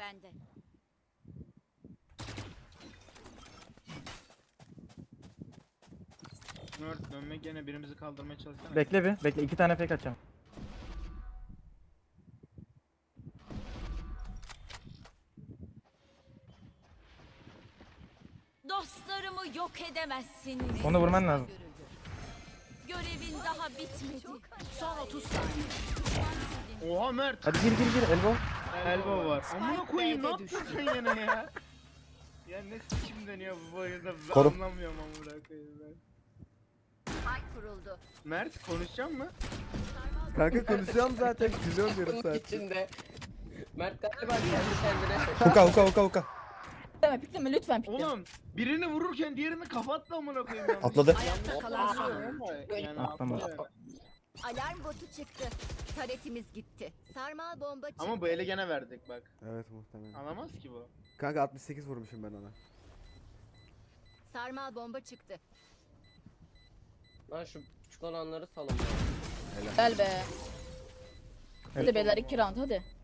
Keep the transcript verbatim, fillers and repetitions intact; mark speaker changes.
Speaker 1: bende.
Speaker 2: Nerd dönme gene birimizi kaldırmaya çalışsana.
Speaker 3: Bekle bir. Bekle. iki tane fake atacağım.
Speaker 1: Dostlarımı yok edemezsiniz.
Speaker 3: Onu vurman lazım.
Speaker 1: Görevin daha bitmedi. Son otuz saniye.
Speaker 2: Oha Mert.
Speaker 3: Hadi gir gir gir. Elbow.
Speaker 2: Elbow var. Amına koyayım ne
Speaker 1: B'de
Speaker 2: yaptın
Speaker 1: düştü.
Speaker 2: sen yine ya? Ya ne sikim deniyor bu oyunda ben
Speaker 4: Korum.
Speaker 2: anlamıyorum amına koyayım ben.
Speaker 1: Ay kuruldu.
Speaker 2: Mert konuşacak mı?
Speaker 5: Kanka konuşacağım zaten. Gülüyorum yarım
Speaker 6: Bunun
Speaker 5: saat.
Speaker 6: içinde. Mert galiba kendi kendine şaşırdı.
Speaker 4: Huka huka huka huka.
Speaker 7: Pikleme pikleme lütfen pikleme.
Speaker 2: Oğlum birini vururken diğerini kapattı amına koyayım ya.
Speaker 4: Atladı.
Speaker 1: Ayakta kalan son.
Speaker 2: Yani
Speaker 3: Atlamadı.
Speaker 2: atladı.
Speaker 1: Alarm botu çıktı. Taretimiz gitti. Sarmal bomba çıktı.
Speaker 2: Ama bu ele gene verdik bak.
Speaker 5: Evet muhtemelen.
Speaker 2: Alamaz ki bu.
Speaker 5: Kanka altmış sekiz vurmuşum ben ona.
Speaker 1: Sarmal bomba çıktı.
Speaker 6: Lan şu küçük olanları salın.
Speaker 7: Gel be. Hadi beyler iki round hadi.